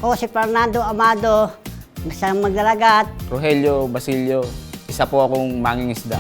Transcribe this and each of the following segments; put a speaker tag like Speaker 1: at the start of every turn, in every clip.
Speaker 1: Ako si Fernando Amado, isang maglalagat.
Speaker 2: Rogelio Basilio, isa po akong mangingisda.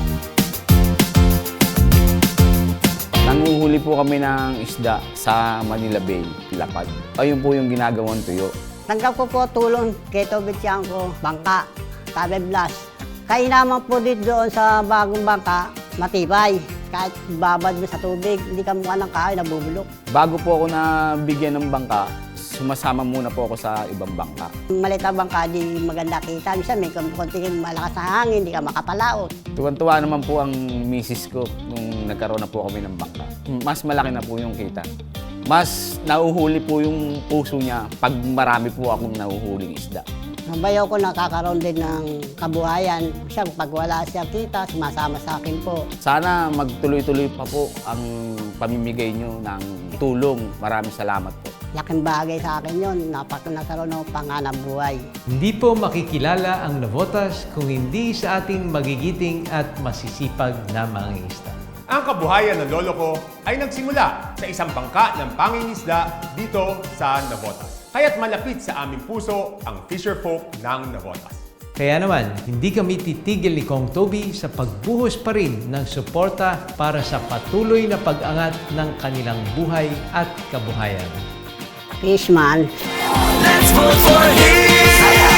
Speaker 2: Nanguhuli po kami ng isda sa Manila Bay, Lapad. Ayun po yung ginagawang tuyo.
Speaker 1: Tanggap ko po tulong kay Tobit Tiangco, bangka, Tabe Blast. Kainaman po dito doon sa bagong bangka, matibay. Kahit babad mo sa tubig, hindi ka mukha ng kahoy, nabubulok.
Speaker 2: Bago po ako nabigyan ng bangka, sumasama muna po ako sa ibang bangka.
Speaker 1: Maliit na bangka, di maganda kita. Minsan may konting malakas na hangin, hindi ka makapalaot.
Speaker 2: Tuwan-tuwa naman po ang misis ko nung nagkaroon na po kami ng bangka. Mas malaki na po yung kita. Mas nauhuli po yung puso niya pag marami po akong nauhuling isda.
Speaker 1: Nabayaw ko nakakaroon din ng kabuhayan. Siya, pag wala siya kita, sumasama sa akin po.
Speaker 2: Sana magtuloy-tuloy pa po ang pamimigay nyo ng tulong. Maraming salamat po.
Speaker 1: Laking bagay sa akin yun, nagkaroon ng panganab buhay.
Speaker 3: Hindi po makikilala ang Navotas kung hindi sa ating magigiting at masisipag na mangingisda.
Speaker 4: Ang kabuhayan ng lolo ko ay nagsimula sa isang bangka ng pangingisda dito sa Navotas. Kaya't malapit sa aming puso ang fisherfolk ng Navotas.
Speaker 3: Kaya naman, hindi kami titigil ni Kong Toby sa pagbuhos pa rin ng suporta para sa patuloy na pag-angat ng kanilang buhay at kabuhayan.
Speaker 1: Fishman.
Speaker 5: Let's vote for him!